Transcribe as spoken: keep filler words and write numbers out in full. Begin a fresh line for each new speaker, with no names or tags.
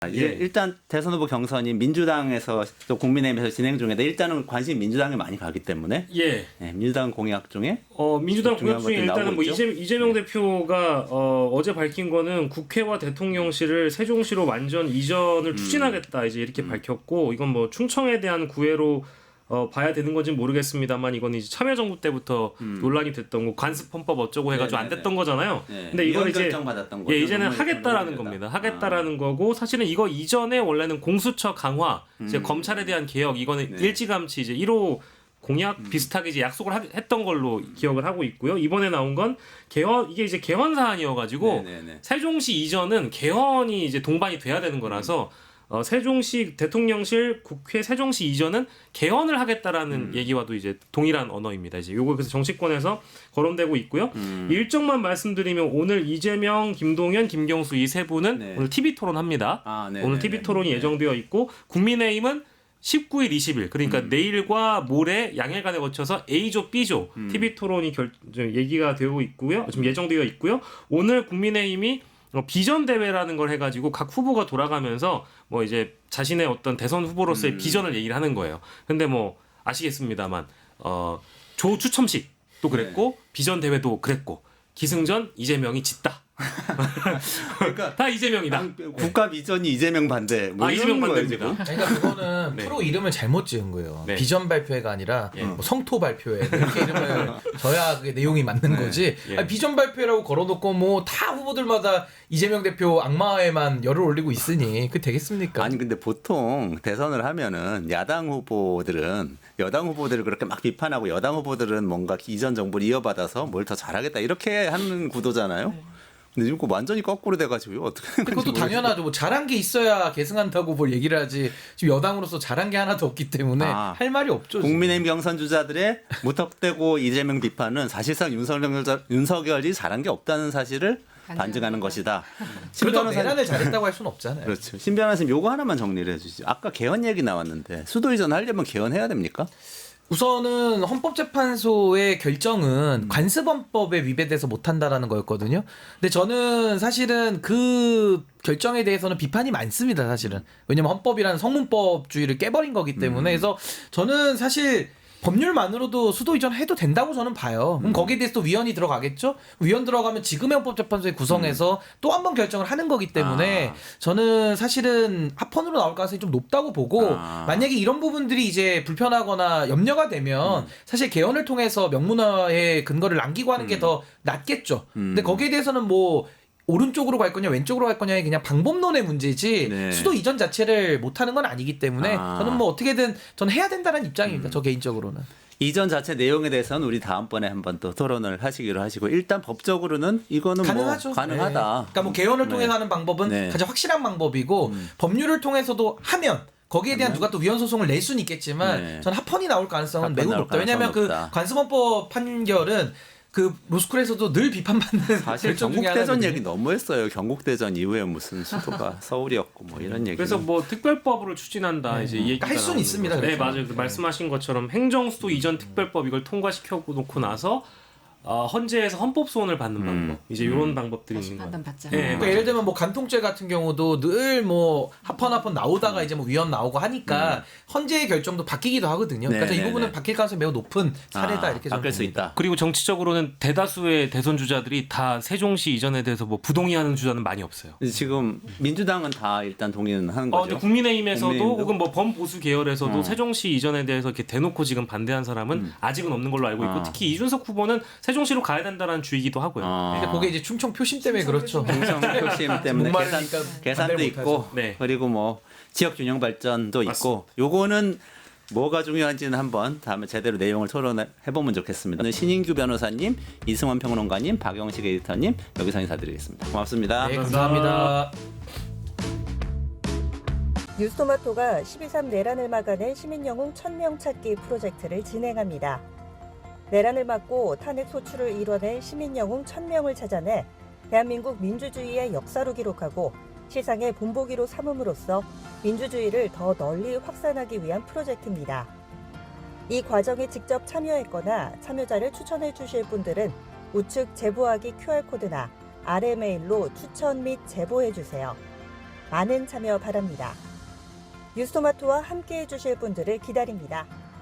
이제
예.
일단 대선 후보 경선이 민주당에서 또 국민의힘에서 진행 중인데 일단은 관심이 민주당에 많이 가기 때문에
예.
네, 민주당 공약 중에
어, 민주당
중요한
공약 중에
것들이
일단은
나오고
뭐
있죠?
이재, 이재명 대표가 어, 어제 밝힌 거는 국회와 대통령실을 세종시로 완전 이전을 추진하겠다 이제 이렇게 밝혔고 이건 뭐 충청에 대한 구애로 어, 봐야 되는 건지 모르겠습니다만 이건 이제 참여정부 때부터
음.
논란이 됐던 거 관습헌법 어쩌고 해가지고 안
네네네.
됐던 거잖아요.
네,
근데 이건 이제
결정받았던 거죠.
예, 이제는
논문에
하겠다라는
결정이
겁니다.
됐다.
하겠다라는 거고 사실은 이거 이전에 원래는 공수처 강화, 이제
음.
검찰에 대한 개혁 이거는
네.
일찌감치 이제 일 호 공약 비슷하게 이제 약속을 하, 했던 걸로 기억을 하고 있고요. 이번에 나온 건 개헌 이게 이제 개헌 사안이어가지고
네네네.
세종시 이전은 개헌이 이제 동반이 돼야 되는 거라서 어, 세종시 대통령실 국회 세종시 이전은 개헌을 하겠다라는
음.
얘기와도 이제 동일한 언어입니다. 이제 요거 그래서 정치권에서 거론되고 있고요.
음.
일정만 말씀드리면 오늘 이재명, 김동연, 김경수 이 세 분은
네.
오늘 티비 토론합니다.
아, 네,
오늘
네,
티비
네.
토론이
네.
예정되어 있고 국민의힘은 십구 일, 이십 일 그러니까
음.
내일과 모레 양일간에 거쳐서 A조, B조
음.
티비 토론이 결, 저, 얘기가 되고 있고요. 지금 예정되어 있고요. 오늘 국민의힘이 어, 비전 대회라는 걸 해가지고 각 후보가 돌아가면서 뭐 이제 자신의 어떤 대선 후보로서의
음.
비전을 얘기를 하는 거예요. 근데 뭐 아시겠습니다만 어, 조 추첨식도 그랬고
네.
비전 대회도 그랬고 기승전 이재명이 짓다.
그러니까
다 이재명이다.
국가 비전이 이재명 반대. 뭐
아,
이런
이재명
거예요,
반대입니다.
지금.
그러니까 그거는
네.
프로 이름을 잘못 지은 거예요.
네.
비전 발표회가 아니라
예.
뭐 성토 발표회 이렇게 이름을 져야 그게 내용이 맞는
네.
거지.
예.
아니, 비전 발표회라고 걸어놓고 뭐 다 후보들마다 이재명 대표 악마에만 열을 올리고 있으니 그 되겠습니까?
아니 근데 보통 대선을 하면은 야당 후보들은 여당 후보들을 그렇게 막 비판하고 여당 후보들은 뭔가 이전 정부를 이어받아서 뭘 더 잘하겠다 이렇게 하는 구도잖아요. 근데 지금 그거 완전히 거꾸로 돼가지고 어떻게 된 건지
그것도
모르겠어요.
당연하죠. 뭐 잘한 게 있어야 계승한다고 뭘 얘기를 하지. 지금 여당으로서 잘한 게 하나도 없기 때문에
아,
할 말이 없죠. 지금.
국민의힘 경선 주자들의 무턱대고 이재명 비판은 사실상 윤석열, 윤석열이 잘한 게 없다는 사실을 반증하는 것이다. 신
그래도
변호사님,
내란을 잘했다고 할 수는 없잖아요.
그렇죠. 신 변호사님 요거 하나만 정리를 해주시죠. 아까 개헌 얘기 나왔는데 수도 이전 하려면 개헌해야 됩니까?
우선은 헌법재판소의 결정은 관습헌법에 위배돼서 못한다라는 거였거든요. 근데 저는 사실은 그 결정에 대해서는 비판이 많습니다. 사실은 왜냐면 헌법이라는 성문법주의를 깨버린 거기 때문에 그래서 저는 사실 법률만으로도 수도 이전 해도 된다고 저는 봐요. 그럼 거기에 대해서 또 위원이 들어가겠죠? 위원 들어가면 지금의 헌법재판소에 구성해서 또 한 번 결정을 하는 거기 때문에
아.
저는 사실은 합헌으로 나올 가능성이 좀 높다고 보고
아.
만약에 이런 부분들이 이제 불편하거나 염려가 되면 사실 개헌을 통해서 명문화의 근거를 남기고 하는 게 더 낫겠죠. 근데 거기에 대해서는 뭐 오른쪽으로 갈 거냐 왼쪽으로 갈 거냐의 그냥 방법론의 문제지
네.
수도 이전 자체를 못하는 건 아니기 때문에
아.
저는 뭐 어떻게든 저는 해야 된다는 입장입니다. 저 개인적으로는.
이전 자체 내용에 대해서는 우리 다음번에 한번 또 토론을 하시기로 하시고 일단 법적으로는 이거는
가능하죠.
뭐 가능하다.
네. 그러니까 뭐 개헌을
네.
통해서 하는 방법은
네.
가장 확실한 방법이고 법률을 통해서도 하면 거기에 대한 누가 또 위헌 소송을 낼 수는 있겠지만
네.
전 합헌이 나올 가능성은
합헌
매우
나올
높다. 왜냐하면 그
가능성은 높다.
관습헌법 판결은 그 로스쿨에서도 늘 비판받는
사실
결정 중에
경국대전
하나거든요.
얘기 너무했어요. 경국대전 이후에 무슨 수도가 서울이었고 뭐 이런 얘기.
그래서 뭐 특별법으로 추진한다 이제 이 얘기가
할 수는
나오는
있습니다,
거죠. 네
그렇죠.
맞아요. 그 말씀하신 것처럼 행정수도 이전 특별법 이걸 통과시켜 놓고 나서 어, 헌재에서 헌법 소원을 받는 방법 이제 이런 방법들이
다시
있는 거예요.
판단 받자.
네,
그러니까
맞아요.
예를 들면 뭐 간통죄 같은 경우도 늘 뭐 합헌 합헌 나오다가 이제 뭐 위헌 나오고 하니까 헌재의 결정도 바뀌기도 하거든요.
네,
그러니까 이
네,
부분은
네.
바뀔 가능성이 매우 높은 사례다
아,
이렇게 저는
바뀔 수
봅니다.
있다.
그리고 정치적으로는 대다수의 대선 주자들이 다 세종시 이전에 대해서 뭐 부동의하는 주자는 많이 없어요.
이제 지금 민주당은 다 일단 동의는 하는
어,
거죠.
근데 국민의힘에서도
국민의힘도?
혹은 뭐 범보수 계열에서도
어.
세종시 이전에 대해서 이렇게 대놓고 지금 반대한 사람은
음.
아직은 없는 걸로 알고 있고
아.
특히 이준석 후보는 세종시로 가야 된다는 주의기도 하고요.
아.
근데 그게 이제 충청 표심 때문에 그렇죠.
공정 표심 때문에 계산,
목마르니까
계산도
반대를
있고
못하죠.
네.
그리고 뭐 지역 균형 발전도 있고 요거는 뭐가 중요한지는 한번 다음에 제대로 내용을 토론해 보면 좋겠습니다. 오늘 신인규 변호사님, 이승원 평론가님, 박영식 에디터님 여기서 인사드리겠습니다. 고맙습니다.
네, 감사합니다.
뉴스토마토가 십이 삼 내란을 막아낸 시민영웅 천 명 찾기 프로젝트를 진행합니다. 내란을 막고 탄핵 소추를 이뤄낸 시민영웅 천 명을 찾아내 대한민국 민주주의의 역사로 기록하고 시상의 본보기로 삼음으로써 민주주의를 더 널리 확산하기 위한 프로젝트입니다. 이 과정에 직접 참여했거나 참여자를 추천해 주실 분들은 우측 제보하기 큐알코드나 아래 메일로 추천 및 제보해 주세요. 많은 참여 바랍니다. 뉴스토마토와 함께해 주실 분들을 기다립니다.